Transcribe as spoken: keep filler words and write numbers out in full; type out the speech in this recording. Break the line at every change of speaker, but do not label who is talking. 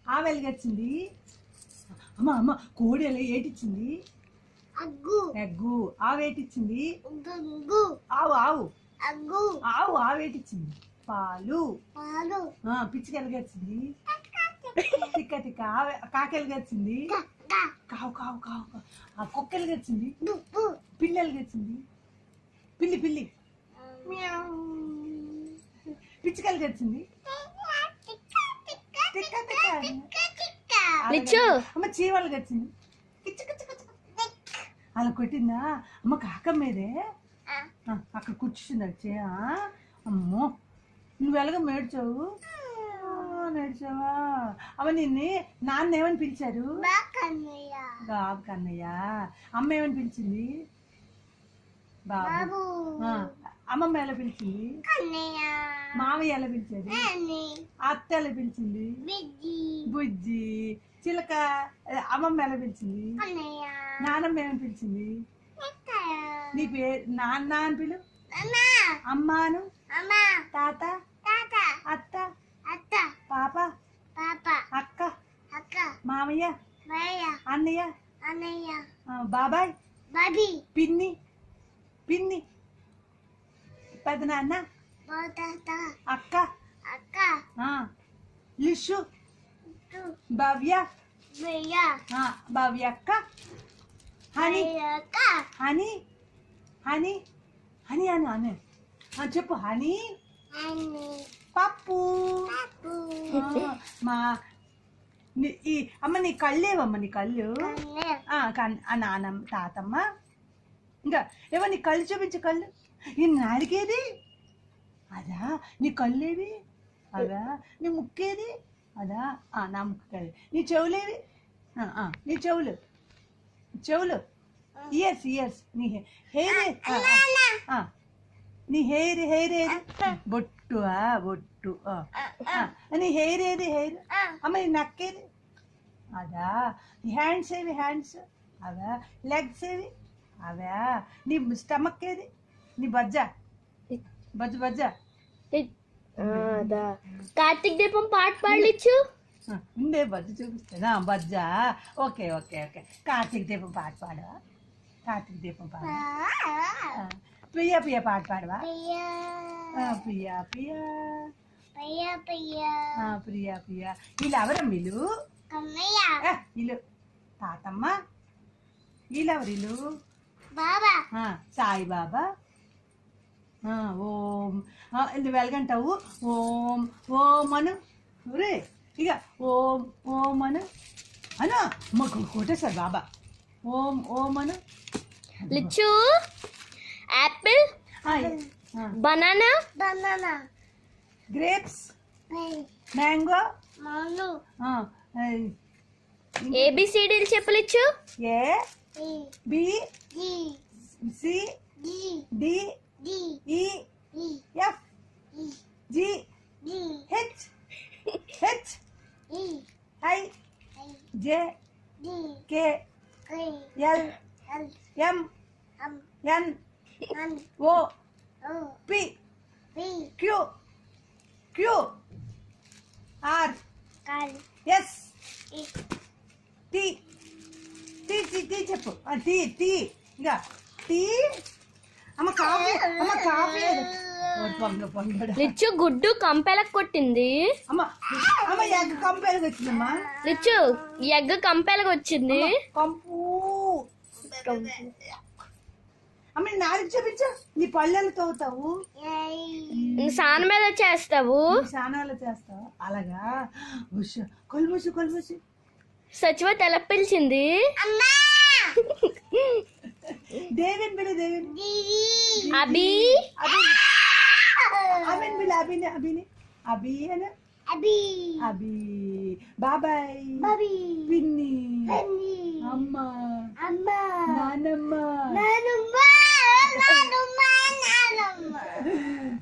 ఆ వెలుగొచ్చింది. అమ్మ అమ్మ కోడి ఎలా ఏటిచ్చింది? ఎగ్గు. ఆవు ఏటిచ్చింది? ఆవు ఆవు ఆవు ఆవు ఏటిచ్చింది? పాలు. పిచ్చికి ఎలాగొచ్చింది? తిక్క తిక్క. కాకి ఎలాగొచ్చింది? కావు కావు కావు. ఆ కుక్క ఎలాగొచ్చింది? పిల్లి ఎలాగొచ్చింది? పిల్లి పిల్లి. పిచ్చికి ఎలాగొచ్చింది? తిక్క తిక్క. అమ్మ చీవాళ్ళకి వచ్చింది. అలా కొట్టిందా? అమ్మ కాక మీదే అక్కడ కూర్చుంది వచ్చి. అమ్మో నువ్వు ఎలాగ మేడ్చావు? నేర్చావా? అమ్మ నిన్ను నాన్న ఏమని పిలిచారు? బాబు కన్నయ్య. అమ్మ ఏమని పిలిచింది? బాబు. అమ్మమ్మ ఎలా పిలిచింది? మామయ్య ఎలా పిలిచారు? అత్త ఎలా పిలిచింది? బుజ్జి. చిలక. అమ్మమ్మ ఎలా పిలిచింది? నానమ్మ ఏమని పిలిచింది? నీ పేరు నాన్న అని పిలు. అమ్మాను. తాత. అత్త. పాప. అక్క. మామయ్య. అన్నయ్య. బాబాయ్. పిన్ని. పిన్ని. పెదనాన్న. అక్క. లిషు. భవ్య. భవ్య అక్క. Honey. Honey Honey Honey Anu Anu చెప్పు. హనీ. పప్పు. మా ఈ అమ్మ నీ కళ్ళేవమ్మ? నీ కళ్ళు. నానమ్మ తాతమ్మ. ఇంకా ఏమో నీ కళ్ళు చూపించు. కళ్ళు. ఈ నాలుగేది? అదా. నీ కళ్ళేవి? అదా. నీ ముక్కేది? అదా. నా ముక్కు కాదు. నీ చెవులేవి? నీ చెవులు. చెవులు. Ears ears. నీ హెయిర్. నీ హెయిర్ హెయిర్ ఏది? బొట్టు. బొట్టు. నీ హెయిర్ ఏది? హెయిర్. అమ్మ నీ నక్కేది? అదా. నీ హ్యాండ్స్ ఏవి? హ్యాండ్స్. అవా. లెగ్స్ ఏవి? అవా. నీ స్టమక్ ఏది? నీ బజ్జ. బజ్జ బజ్జ.
కార్తీక్ దీపం పాట పాడలిచ్చు.
ఉండే బజ్జ చూపిస్తానా? బజ్జ. Okay okay okay. కార్తీక్ దీపం పాట పాడవా? కార్తీక్ దీపం పాడ. ప్రియా ప్రియ పాట పాడవా? ప్రియా ప్రియా ప్రియా ప్రియా. వీళ్ళు ఎవరమ్మ? వీళ్ళు వీళ్ళు తాతమ్మ. వీళ్ళెవరు? వీళ్ళు సాయిబాబా. ఓం. ఇది వెలగంటావు. ఓం ఓం అను. రే ఇక ఓం ఓం అను అను. మాకు కొట్టేశారు బాబా. ఓం ఓం అను.
లిచ్చు. యాపిల్. బనానా.
గ్రేప్స్. మ్యాంగో.
ఏబిసిడీలు చెప్పలిచ్చు.
A B C D E F G H H I J K L M N O P Q Q R S T. T T T చెప్పు. T T. ఇంకా tea. అమ్మ coffee. అమ్మ coffee.
లిచ్చు గుడ్డు కంపెలకు కొట్టింది.
అమ్మ అమ్మ ఎగ్ కంపెలకు వచ్చిందమ్మా.
లిచ్చు ఎగ్ కంపెలకు వచ్చింది.
కంపు. అమ్మ నాలుగు చూపించు. నీ పళ్ళెలు తోగుతావు.
సాన మీద చేస్తావు.
సానాలు చేస్తావు. అలాగా. కొలుబూసి కొలుబూసి.
సచివ తెల పిలిచింది.
దేవిన్ బిలు. దేవిన్.
అభి.
అభిన్ బిలు. అభిని అభిని అభి అని. అభి అభి. బాబాయ్. పిన్ని. అమ్మ. నానమ్మ.